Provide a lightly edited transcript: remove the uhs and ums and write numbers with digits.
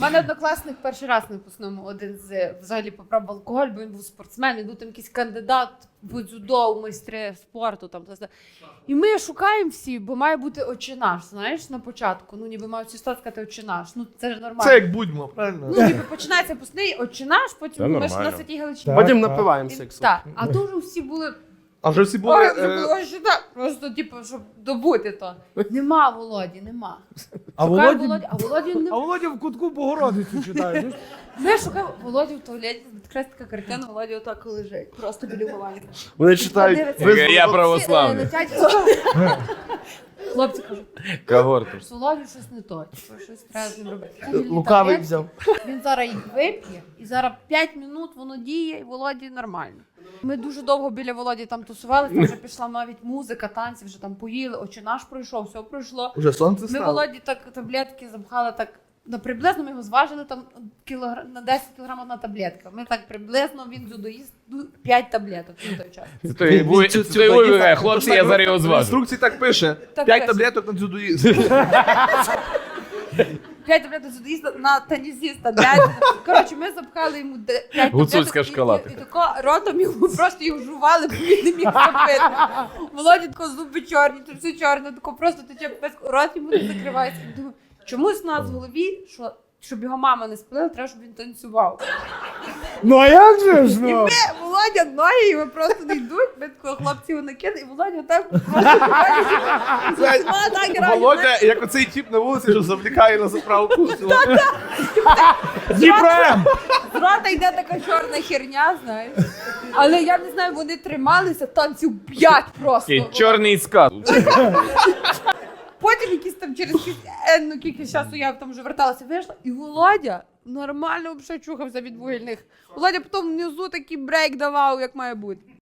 У мене однокласник перший раз на випускному один з взагалі попробував алкоголь, бо він був спортсмен, він був там якийсь кандидат в дзюдо, у майстри спорту. Там. І ми шукаємо всі, бо має бути «Отче наш», знаєш, на початку. Ну, ніби мають всі сказати «Отче наш». Ну, це ж нормально. Це як будьмо, правильно? Ну, ніби починається випускний «Отче наш», потім ми ж на Святій Галичині. Потім напиваємося, як Так, а дуже всі були... А вже всі були... Ой, вже було «Отче наш», просто, типу, щоб добути то. Нема Володі, нема. А Шукаю Володі... а Володі А нема. Володя в кутку Богородицю читає. Ну, Ми шукаємо Володю в туалеті, якраз така картина, Володя отак лежить, просто біля умивальника. Вони читають. Я православний. Хлопці кажуть, Когорту. з Володю щось не то, щось треба з ним робити. Лукавий взяв. Він зараз їх вип'є, і зараз 5 минут воно діє, і Володі нормально. Ми дуже довго біля Володі там тусувалися, там вже пішла навіть музика, танці, вже там поїли, «Отче наш» пройшов, все пройшло. Уже сонце Ми стало. Володі так таблетки запхали так, приблизно ми його зважили там на 10 кілограмів на таблетка. Ми так приблизно, він дзюдоїст, 5 таблеток на той час. Це той вибігає, хлопці, я зараз його В зважу. інструкції так пише. Так 5 пише. таблеток на дзюдоїзм. 5 таблеток дзюдоїста на тенісіста. Коротше, ми запхали йому 5 таблеток. Гуцульська шкала І тако ротом йому просто його жували, бо він не міг запити. Володі тако зуби чорні, тут все чорне, тако просто тече пес, рот йому не закривається. І думаю, чомусь у нас в голові, що щоб його мама не спалила, треба, щоб він танцював. ну а як же ж, І ну? ми, Володя, ноги його просто не йдуть, ми такого хлопці його накидають, і Володя так просто так грає. Володя, як оцей тіп на вулиці, що завлікає на заправку. Дніпром! З рота йде така чорна херня, знаєш. Але я не знаю, вони трималися танців 5 просто. Такий чорний скат. Потім якісь там через кілька часу я там вже верталася, вийшла, і Володя нормально взагалі чухався від вугільних. Володя потім внизу такий брейк давав, як має бути.